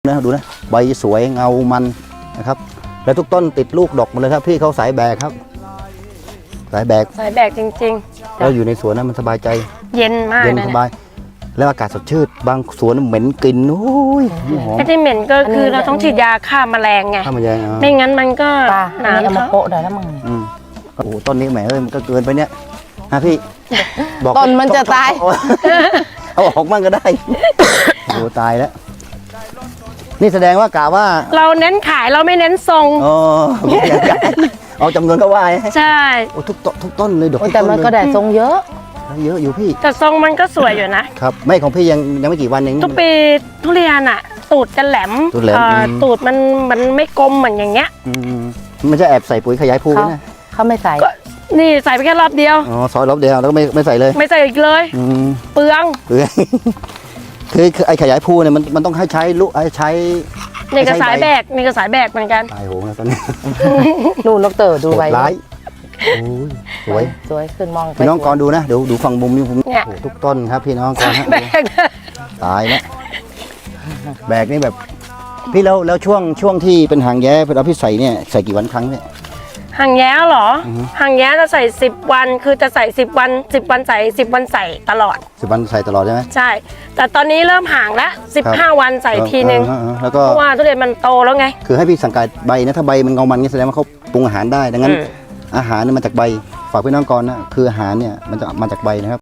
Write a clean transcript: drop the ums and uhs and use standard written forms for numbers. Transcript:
นะดูนะใบสวยเงามันนะครับแล้วทุกต้นติดลูกดอกหมดเลยครับพี่เขาสายแบกครับสายแบกจริงๆแล้วอยู่ในสวนนั้นมันสบายใจๆ เย็นมากเย็นนะสบายแล้วอากาศสดชื่นบางสวนเหม็นกลิ่นโอ้ยหอมไอ้ที่เหม็นก็คือเราต้องฉีดยาฆ่าแมลงไงข้าวมันแยงไม่งั้นมันก็ตาหนาเอามาเขาโปะได้แล้วมึงโอ้โหต้นนี้แหมเอ้ยมันก็เกินไปเนี่ยฮะพี่บอกต้นมันจะตายเอาออกมั่งก็ได้โอ้โหตายแล้วนี่แสดงว่ากะว่าเราเน้นขายเราไม่เน้นทรงอ๋อเอาจำนวนก็ว่าใช่โอ้ทุกต้นเลยดอกโอ้ยทุแต่มันก็ต้ได้ทรงเยอะเยอะอยู่พี่แต่ทรงมันก็สวยอยู่นะครับไม่ของพี่ยังไม่กี่วันเองทุกปีทุเรียนอ่ะ ตูดจะแหลมตูดแหลมตูดมันไม่กลมเหมือนอย่างเงี้ยมันจะแอบใส่ปุ๋ยขยายภูเขานะเขาไม่ใส่ก็นี่ใส่ไปแค่รอบเดียวอ๋อซอยรอบเดียวแล้วก็ไม่ใส่เลยไม่ใส่อีกเลย เปลืองคือไอ้ขยายภูเนี่ยมันต้องให้ใช้ลูกใช้นี่ก็สายแบกนี่ก็สายแบกเหมือนกันตายโหงแล้วตอนนี้ดูนกเต๋อดูไว้ร้ายโอ้ยสวยสวยขึ้นมองไปพี่น้องก่อนดูนะดูฝั่งมุมนี้ผมเนี่ยโอ้โหทุกต้นครับพี่น้องก่อนฮะแบกตายแล้วแบกนี่แบบพี่แล้วช่วงที่เป็นหางแย้เราพี่ใส่เนี่ยใส่กี่วันครั้งเนี่ยหางแย้เหรอหางแย้จะใส่10 วันคือจะใส่10 วัน10 วันใส่10 วันใส่ตลอด 10 วันใส่ตลอดใช่ไหมใช่ แต่ตอนนี้เริ่มห่างแล้ว15 วันใส่ทีนึงแล้วก็เพราะว่าทุเรียนมันโตแล้วไงคือให้พี่สังเกตใบนะถ้าใบมันเงามันนี่แสดงว่าเขาปรุงอาหารได้ดังนั้น อาหารเนี่ยมาจากใบฝากพี่น้องก่อนนะคืออาหารเนี่ยมันจะมาจากใบนะครับ